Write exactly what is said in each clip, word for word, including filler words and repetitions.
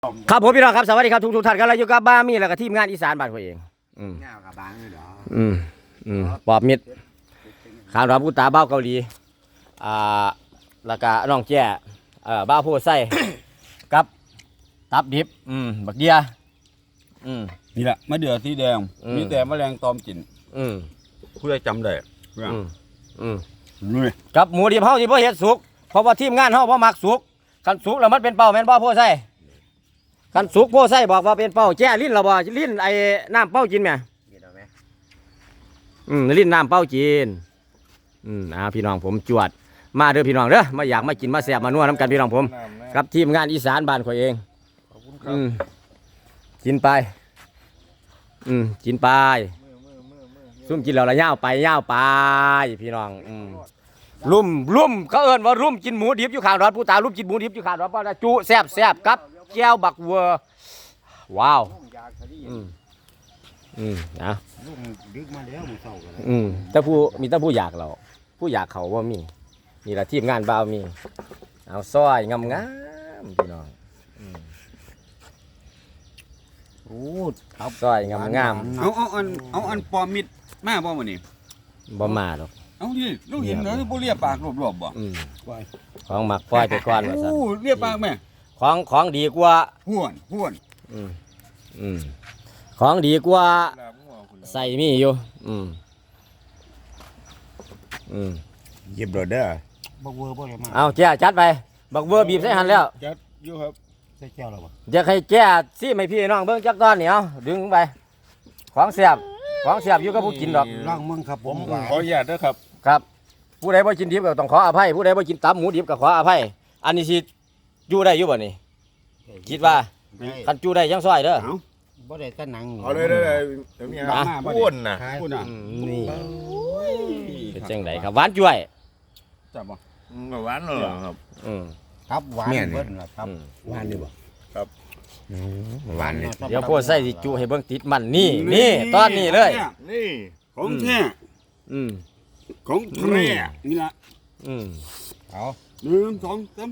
ครับผมพี่น้องครับสวัสดีครับทุกทุกท่านครับเราอยู่กับบ้ามีแล้วก็ทีมงานอีสานบ้านตัวเองอืมเงากับบางเลยเหรออืมอืมปอบมิดขาวราบูตาเบ้าเกาหลีอ่าแล้วก็น้องแจ้เอ่อบ้าโพไส้กับตับดิบอืมบักเดียอืมนี่แหละมะเดื่อสีแดงอืมมีแต่แมลงตอมกินอืมผู้ใดจำได้อืมอืมนี่กับหมูดิบเฮาที่บ่เฮ็ดสุกเพราะว่าทีมงานเฮาบ่มักสุกคันสุกแล้วมันเป็นเป้าแม่นบ่โพไส้คันสุกโพไส้บอกว่าเป็นเป้าแจ้ลิ้นเราบ่ลิ้นไอ้น้ำเป้ากินแม่เห็นไหมอืมลิ้นน้ำเป้าจีนอืมอ่าพี่น้องผมจวดมาเด้อพี่น้องเด้อมาอยากมากินมาแซ่บมานัวน้ำกันพี่น้องผมกับทีมงานอีสานบ้านข่อยเองอืมกินไปอืมกินไปซุ่มกินแล้วละย่าวไปย่าวไปพี่น้องอืมลุ่มลุ่มเขาเอิ้นว่าลุ่มกินหมูดิบอยู่ข้างรถผู้ตาลุ่มกินหมูดิบอยู่ข้างรถเพราะว่าจุแซ่บแซ่บกับแก้วบักเวอร์ว้าวอืมอืมนะลูกดึกมาแล้วมึงเศร้ากันอืมแต่ผู้มีแต่ผู้อยากเราผู้อยากเขาว่ามีนี่แหละทีมงานบ่าวมีเอาซอยงามงามๆพี่น้องอืมโอ้ซอยงามงามเอาเอาอันเอาอันปอมมิดมาบ่มื้อนี้ๆบ่มาหรอกเอาดิลูกเห็นเหรอบ่เลียปากรอบๆบ่อืมของหมักปล่อยไปก่อนว่าซั่นโอ้เลียปากแม่ของของดีกว่าห้วนห้วนอืมอืมของดีกว่าใส่มีอยู่อืมอืมเย็บรถเด้อบักเวอร์บ่ได้มาเอาแจ้จัดไปบักเบอร์บีบใส่หันแล้วจัดอยู่ครับใส่แก้วแล้วบ่อยากให้แจ้ซี่ให้พี่น้องเบิ่งจักตอนเหนียวดึงไปของเสียบของเสียบอยู่กับผู้กินดอกร่างมึงครับผมขออนุญาตเด้อครับครับผู้ใดบ่กินดิบก็ต้องขออภัยผู้ใดบ่กินตับหมูดิบก็ขออภัยอันนี้สิอยู่ได้อยู่บ่นี่คิดว่าคันอยู่ได้ยังซอยเด้อเอาบ่ได้แต่หนังเอาเลยได้เลยเดี๋ยวมีอะไรอ้วนนะพูดน่ะอืมนี่เป็นจังไดครับหวานจ้วยจับบ่อืมหวานเลยครับอืมครับหวานเบิ้ลล่ะครับอืมหวานนี่บ่หวานเลยเดี๋ยวพวกใส่สิจุให้เบิ่งติดมันนี่นี่ตอนนี้เลยนี่ของแท้อืมของแท้นี่ล่ะอืมเอาหนึ่งสองสาม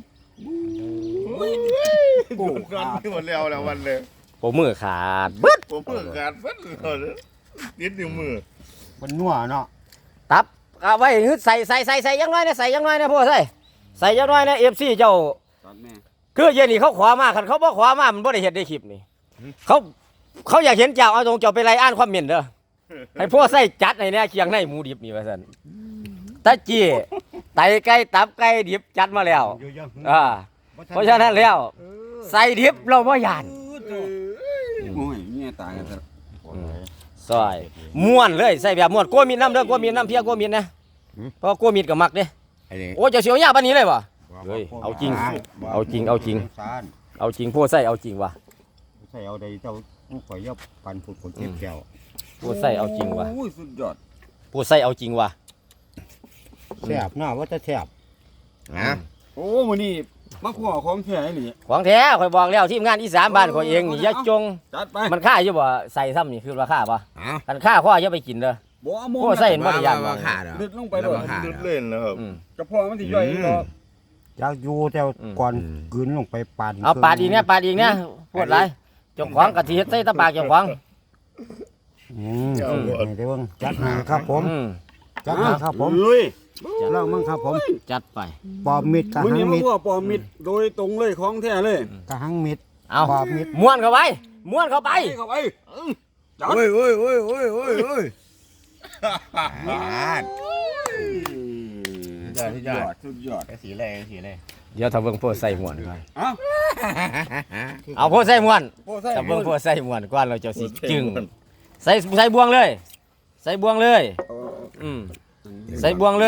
ปูกันที่หมดแล้วแล้ววันเลยผมมือขาดเบิดผมเพิ่งการฟันเลยนิดนิ้วมือมันนัวเนาะตับเอาไว้ฮึดใส่ใส่ใส่ใส่ยังน้อยนะใส่ยังน้อยนะพวกใส่ใส่ยังน้อยนะ เอฟ ซี เจ้าตัดแม่คือเย็นนี่เขาขวามาคันเขาบ่ขวามามันบ่ได้เห็นในคลิปนี่เขาเขาอยากเห็นเจ้าเอาตรงเจ้าไปไล่อ่านความเห็นเด้อให้พวกใส่จัดในเนี่ยเคียงในหมูดิบนี่ว่าซั่นตะจี้ไตไก่ตับไก่ดิบจัดมาแล้วอยู่ยังอ่าเพราะฉะนั้นแล้วใส่ดิบเราบ่ยานโอ้ยเมียตายกันซะซอยม่วนเลยใส่แบบม่วนกลัวมีน้ำเด้อกลัวมีน้ำเพียกลัวมีนะเพราะกลัวมีก็มักเด้ไอ้นี่โอ้เจ้าเสียวยาปานนี้เลยบ่ เฮ้ยเอาจริงเอาจริงเอาจริงสารเอาจริงพวกใส่เอาจริงว่ะใส่เอาได้เจ้าลูกข่อยยับปันผุดผลเจ็บแก้วพวกใส่เอาจริงว่ะโอ้ยสุดยอดพวกใส่เอาจริงว่ะแซ่บเนาะว่าจะแซ่บนะโอ้มื้อนี้มาขอของแท้อีหลีของแท้ข่อยบอกแล้วทีมงานอีสานบ้านข่อยเองนี่อย่าจงจัดไปมันค่าอยู่บ่ใส่ซ้ำนี่คือราคาป่ะเอาคันค่าข้ออย่าไปกินเด้อบ่เอาหมพวกใส่เห็นบ่ได้ยานมาบ่ขาดเหรอลึดลงไปแล้เลวย มาขาด ดึดเล่นนะครับอืมกระเพาะมันสิย่อยอีกดอกอยากอยู่แต่ก่อนกลืนลงไปปานเอาปาดอีกเนี่ยปาดอีกเนี่ยปวดหลายเจ้าของกะทิเฮ็ดใส่ตะปากเจ้าของอืมให้ได้เบิ่งจัดหาครับผมอืมจัดหาครับผมลุยเล่ามั่งครับผมจัดไปปอบมิดกะมื้อหันี้งมามิดขอปอมิดโดยตรงเลยของแท้เลยกะหังมิดเอาปอบมิดม้วนเข้าไปม้วนเข้าไปเข้าไปโอ้ยโอ้ยโอ้ยโอ้ยโอ้ยโอ้ยสุดยอดสุดยอดสีอะไรสีอะไรเดี๋ยวถ้าเบิ่งพวกใส่ม้วนก่อนเอ้าเอาพวกใส่ม้วนโอ้ใส่ถ้าเบิ่งพวกใส่ม้วนก่อนเราจะสิจึงใส่ใส่บวงเลย ใส่บวงเลยอืมใส่บวงเลย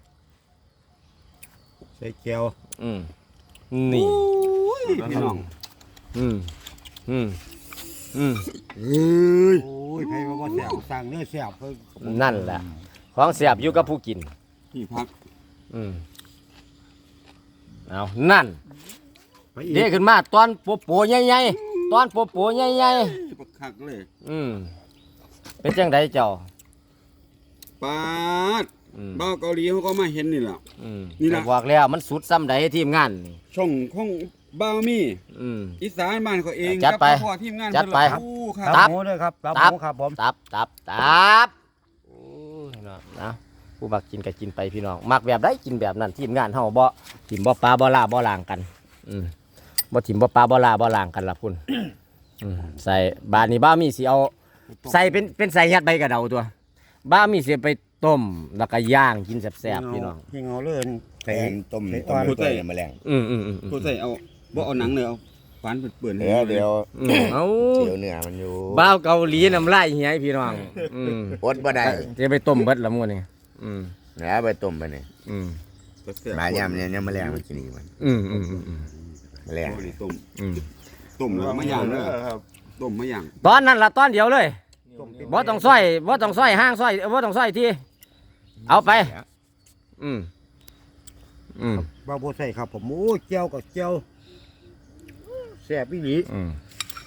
ใส่แก้วอืมนี่พี่น้องอืมอืมอืมเอ้ยโอ้ยไผว่าบ่แซ่บสั่งเนื้อแซ่บเพิ่นนั่นแหละของเสียบอยู่กับผู้กินที่พักอืมเอานั่นไปอีเด็กขึ้นมาตอนโปโปใหญ่ๆตอนโปโปใหญ่ปักคักเลยๆอืมเป็นจังไดเจ้าปาดอืมบ้าวเกาหลีเขาก็มาเห็นนี่แหละอืมนี่ล่ะก็บอกแล้วมันสุดซ้ำใดทีมงานนี่ช่องของบ่าวมีอืมอีสานบ้านเขาเองจัดไปกับพ่อทีมงานจัดไปเพิ่นละอู้คตัรับบ หมูด้วยครับตับหตับมูครับผมตับตับตับโอ้ยเนาะนะผู้มักกินก็กินไปพี่น้องมักแบบได้กินแบบนั้นทีมงานเฮาบ่ทีมบ่ปลาบ่ลาบ่ล่างกันอืมบ่ทีมบ่ปลาบ่ลาบ่ล่างกันล่ะพุ่นอืมใส่บาดนี้บ้ามีสิเอาใส่เป็นเป็นใส่ยัดใบกระเดาตัวบ้ามีสิไปต้มแล้วก็ย่างกินแซ่บๆพี่น้องยิงเอาเลยแทนต้มใส่ต้อ่อมนตัวเนี่ยแมลงอืมอืมอืมอืมผู้ใส่เอาบ่เอาหนังเลยเอาฟันเปื่อนๆเดี๋ยวเดี๋ยวอืมเอาเดี๋ยวเนื้อมันอยู่บ้าวเกาหลีน้ำลายเหียพี่น้องอืมอดบ่ได้จะไปต้มเบิดละมื้อนี่อืมเดี๋ยวเอาไปต้มไปนี่อืมแซ่บๆมายามเนี่ยเนี่ยแมลงมันกินอีกมันอืมอืมอืมอืมแมลงโอ้ยต้มอืมต้มแล้วมาย่างเด้อต้มมาย่างตอนนั้นละตอนเดียวเลยบ่ต้องซอยบ่ต้องซอยห้างซอยบ่ต้องซอยที่เอาไป อืมอืมบาโบใส่ครับผมโอ้เจียวกับเจียวแซ่บอีหลีอืม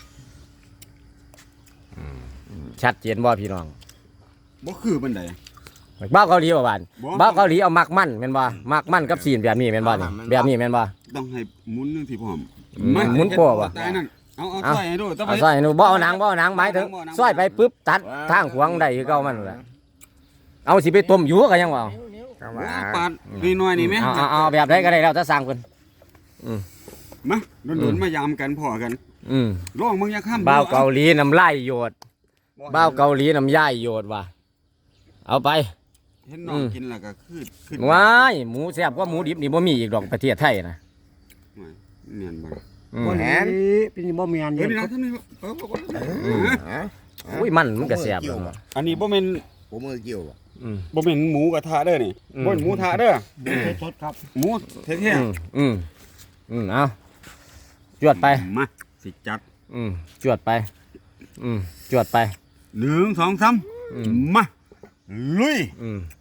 อืมชัดเจนบ่พี่น้องบ่คือบันไดบ้าวเกาหลีบ่บานบ่บ้าวเกาหลีเอามักมันแม่นบ่มักมันกับซีนแบบนี้แม่นบ่นี่แบบนี้แม่นบ่ต้องให้หมุนนึงที่พร้อมอืมหมุนโป้วะตายนั่นเอาเอาเอาใส่ให้ดูต้องไปเอาซอยหนูบ่เอาหนังบ่เอาหนังหมายถึงบ่เอาหนังซอยไปปุ๊บตัดทางขวางได้คือเก่ามันนั่นแหละเอาสิไปต้มอยู่ก็ยังว่าเข้าว่ามาปาดน้อยๆนี่แม่เอาเอาเอาแบบใดก็ได้แล้วถ้าสั่งเพิ่นมาโดนๆมายามกันพอกันอืมลองมึงอย่าข้ามบ้าวเกาหลีน้ำลายโยดบ้าวเกาหลีน้ำย่ายโยดว่ะเอาไปเห็นน้องกินแล้วก็คือคือว้ายหมูแซ่บกว่าหมูดิบนี่บ่มีอีกดอกประเทศไทยนะเนียนบ่อืมบ่แหนเป็นบ่เมียนเฮ้เย็ยนนี่คนะรับท่านนี่เออบ่อืมฮะอุ้ยมันมันก็แซ่บแล้วอันนี้บ่แม่นผมมือเกี่ยวบ่อืมบ่แม่นหมูกระทะเด้อนี่อืมบ่แม่นหมูทะเด้อสดครับหมูแท้อืมอืมอืมเอาจวดไปๆมาสิจัดอืมจวดไป อืมจวดไปหนึ่งสองสามอืมมาลุยอืม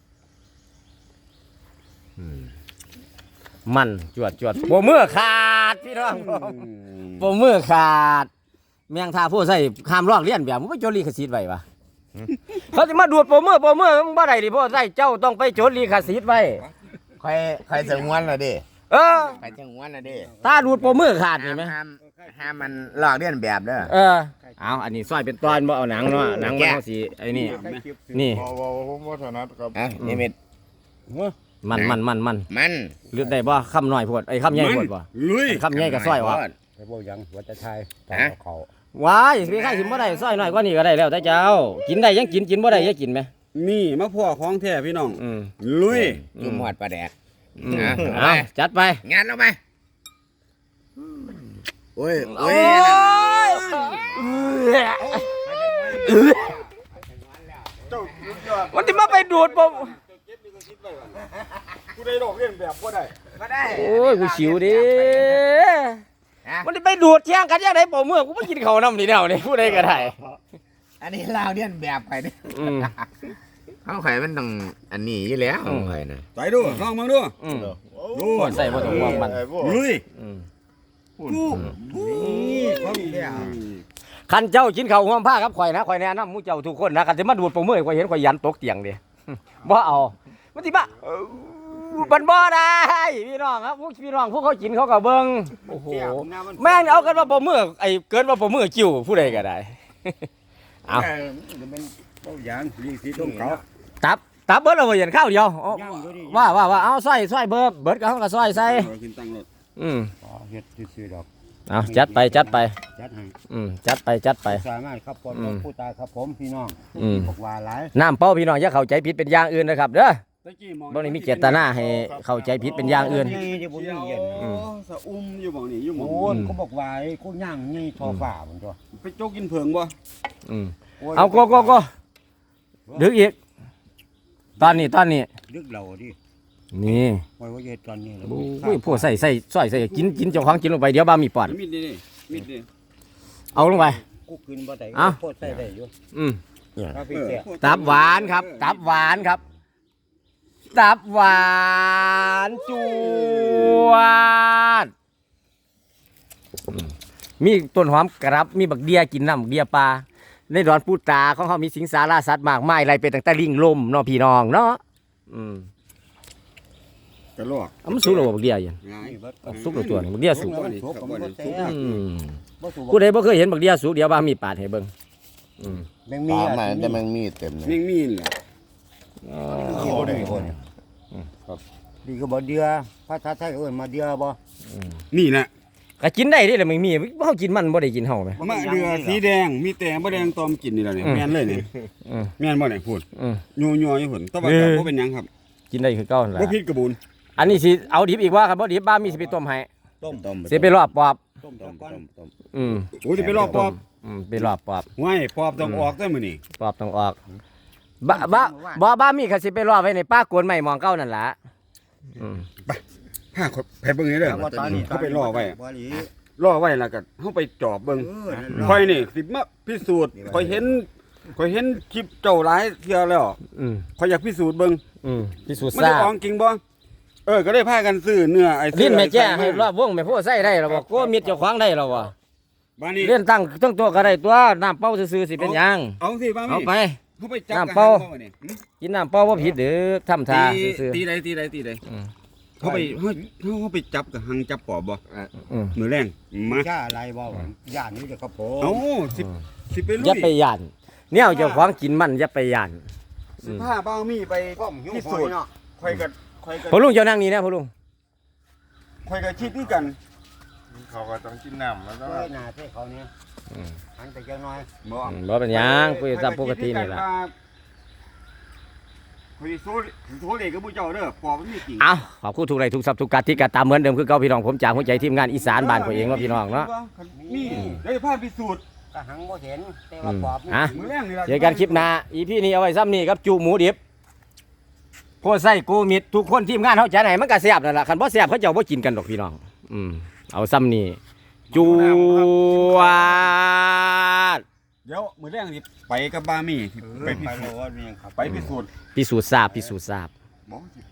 อืมมันจวดจวดโปมือขาดพี่น้องโปมือขาดแมงทาผู้ใส่ข้ามลอกเลียนแบบมันไปโจดลีขสิทธิ์ไว้ปะเขาจะมาดูดโปมือโปมือมึงบ่ได้ดิพ่อใส่เจ้าต้องไปโจดลีขสิทธิ์ไว้ใครใครสงวนละเด้เออใครสงวนละเด้ถ้าดูดโปมือขาดนี่ไหมห้ามห้ามมันลอกเลียนแบบเด้อเออเอาอันนี้ซอยเป็นตอนบ่เอาหนังเนาะหนังมันเอาสีไอ้นี่นี่บ่บ่ผมบ่ถนัดครับอ่ะนี่เม็ดมันมันมันมันมันเลือกได้บ่คำน้อยโพดไอ้คำใหญ่โพดบ่ลุยคำใหญ่ก็ซอยว่ะไปบ่ยังหัวจะทายฮะเขาว้ายสิใครสิบ่ได้ซอยน้อยกว่านี้ก็ได้แล้วแต่เจ้า กินได้ยังกินกินบ่ได้ยังกินไหมนี่มาพ่อของแท้พี่น้องอืมลุยจุ่มหอดปลาแดกอืมอ่ะเอาจัดไปงานเอาไปโอ้ยโอ้โอ้ยยมันสิมาไปดูดบ่กูได้ดอกเล่นแบบบ่ได้ก็ได้โอ้ยกูสิวดิมันสิไปดูดเที่ยงกันยังไดบ่เมื่อกูบ่กินข้าวนำนี่แนวนี่ผู้ใดก็ได้อันนี้ลาวเลียนแบบไปเนี่ยอืมเขาไข่มันต้องอันนี้อยู่แล้วอืมไข่นะไปดูลองมึงดูอืมดูใส่บ่ต้องห่วงมันลุยอืมนี่ของแท้คันเจ้ากินข้าวห่วงผ้าครับข่อยนะข่อยแนะนำหมู่เจ้าทุกคนนะคันสิมาดูดบ่เมื่อข่อยเห็นข่อยยันตกเตียงดิ บ่เอามันสิมาเออมันบ่ได้พี่น้องครับพวกพี่น้องพวกเขากินเขาก็เบิ่งโอ้โหแม่งเอากันว่าบ่มือไอ้เกินว่าบ่มือกิ้วผู้ใดก็ได้ เอาจะเป็นบ่ยังลีสีตรงเขาตับตับเบิดเอาไว้เห็นข้าวเดียวเอาย่างอยู่ดิว่าว่าว่าเอาซอยซอยเบิดเบิดก็เฮาก็ซอยใส่เรากินตังรถอืมอ๋อเฮ็ดซื่อๆดอกเอาจัดไปจัดไปจัดให้อืมจัดไปจัดไปสามารถครับผมอืมผู้ตายครับผมพี่น้องอืมบอกว่าหลายน้ำเป้าพี่น้องอย่าเข้าใจผิดเป็นอย่างอื่นนะครับเด้อตะกี้มองบ่ได้มีเจตนาให้เข้าใจผิดเป็นอย่างอื่นนี่ที่ผมเดี๋ยวเย็นอืมสะอุ้มอยู่หม่องนี้อยู่หม่องโอ้ยก็บอกว่าไอ้กูย่างนี่ทอฝ่ามันตัวไปโจกกินเผิงบ่อืมโยเอาโกโกโกดึกอีก ตอนนี้ตอนนี้ดึกเราดินี่ไว้ว่าเย็ดตอนนี้แล้วโอ้ยพวกใส่ใส่ซอยใส่กินกินเจ้าของกินลงไปเดี๋ยวบ้ามีปอดมีดนี่มีดนี่เอาลงไปกูกินบ่ได้เอ้าโคตรใส่ได้อยู่อืมครับพี่เสียตับหวานครับ ตับหวานครับ ตับหวานจวดอืมมีต้นหอมกระรับมีบักเดียกินน้ำบักเดียปลาในดอนปูตาของเขามีสิงสาราสัตว์มากมายอะไรเป็นตั้งแต่ลิงลมเนาะพี่น้องเนาะอืมกระลอกเอามันสุกแล้วบ่บักเดียอยู่ง่ายนี่เบิดเอาสุกแล้วตัวนี้บักเดียสุกแล้วมันสุกผมบ่แซ่บอืมบ่สุกผู้ใดบ่เคยเห็นบักเดียสุกเดี๋ยวบ้ามีปาดให้เบิ่งอืมแมงปมีลาอ่ะใหม่แต่มันมีเต็มเลยแม่งมีนแหละอ๋อโอ้ได้คนครับดีก็บ่เดือภาษาไทยเอิ้นมาเดือบ่นี่แหละก็กินได้เด้แหละมันมีเฮากินมันบ่ได้กินเฮาแหมมะเดือสีแดงมีแต่บ่แดงตอมกินนี่แหละเนี่ยอืมแม่นเลยนี่อืมแม่นบ่เนี่ยพูดอืมยัวๆอยู่พุ่นแต่ว่าเออบ่เป็นหยังครับกินได้คือเก่านั่นแหละบ่ผิดกระบุนอันนี้สิเอาดิบอีกว่าครับบ่ดิบบ้ามีสิไปต้มให้ต้มต้มสิไปรอบปอบต้มต้ต้มมก่อนต้มต้มอืมโอ้ยสิไปรอบปอบอืมไปรอบปอบห้วยปอบต้องออกได้มื้อนี้ปอบต้องออกบ้าบ้าบ่บ้ามีก็สิไปรอบไว้ในป้ากวนใหม่หมองเก่านั่นล่ะอืมพาเขาไปเบิ่งนี่เด้อแล้วก็ตอนนี้เขาไปรอไว้บ่หลีรอไว้แล้วก็เฮาไปจอบเบิ่งเออนั่นล่ะค่อยนี่สิมาพิสูจน์ค่อยเห็นค่อยเห็นคลิปเจ้าหลายเที่ยแล้วอืมค่อยอยากพิสูจน์เบิ่งอืมพิสูจน์มันทราได้บของจริงบ่เออก็ได้พากันซื้อเนื้อไอ้ซื้ลิ้นแม่แจ้ให้ไอ้รอบวงแม่โพใส่ได้แล้วบ่โกมิดเจ้าของได้แล้วบ่บ้านนี้เล่นตั้งตั้งตัวก็ได้ตัวน้ำเป้าซื่อๆสิเป็นหยังเอาสิบ้านเอานี้ไปเขาไปจับน้ำเปล่ากันบ่นี่หึกินน้ำเป้าบ่ผิดเด้อทำท่าตีซื่อตีใดตีใดตีใดๆอืมเขาไปเขาเขาไปจับกับหังจับปอบบ่อืมมือแรงมาชาอะไรบ่ย่านนี้เด้อครับผมเอ้าสิบสิไปลุอย่าย ไปย่านแนวเจ้าของกินมันอย่าไปย่านสิผ้าบ้างมีไปก้มหิ้วพิคอสูจน์เนาะค่อยกับค่อยกับพ่อลุงเจ้านั่งนี่นะพ่อลุงค่อยกับคิดนี่กันเขาก็ต้องกินน้ำแล้วก็เอ้ยหน้าเท่เขาเนี่ยหันไปจังน้อยบ่อืมบ่เป็นหยังคุยตามปกตินี่ล่ะค่อยสิสู้สู้เลยกับผู้เจ้าเด้อปอบมันมีจริงเอาขอบคุณทุกไรทุกทรัพย์ทุกการที่กระตามเหมือนเดิมคือเก่าพี่น้องผมจากหัวใจทีมงานอีสานบ้านข่อยเองเนาะพี่น้องเนาะมีได้ผ้าพิสูจน์ก็หังบ่เห็นแต่ว่าปอบนี่อ่ะมือแรงนี่ล่ะเจอกันคลิปหน้าอีพี่นี้เอาไว้ซ้ำนี่ครับจูหมูดิบโพดไส้กูมิดทุกคนทีมงานเขาจะไหนมันก็แซ่บนั่นแหละคันบ่แซ่บเขาเจ้าบ่กินกันดอกพี่น้องอืมเอาซ้ำนี่จวดเดี๋ยวมือแรงสิไปกับบามี่สิไปไปไปพิโลสูจน์ว่ามีหยังครับไปพิสูจน์พิสูจน์ทราบพิสูจน์ทราบบ่สิ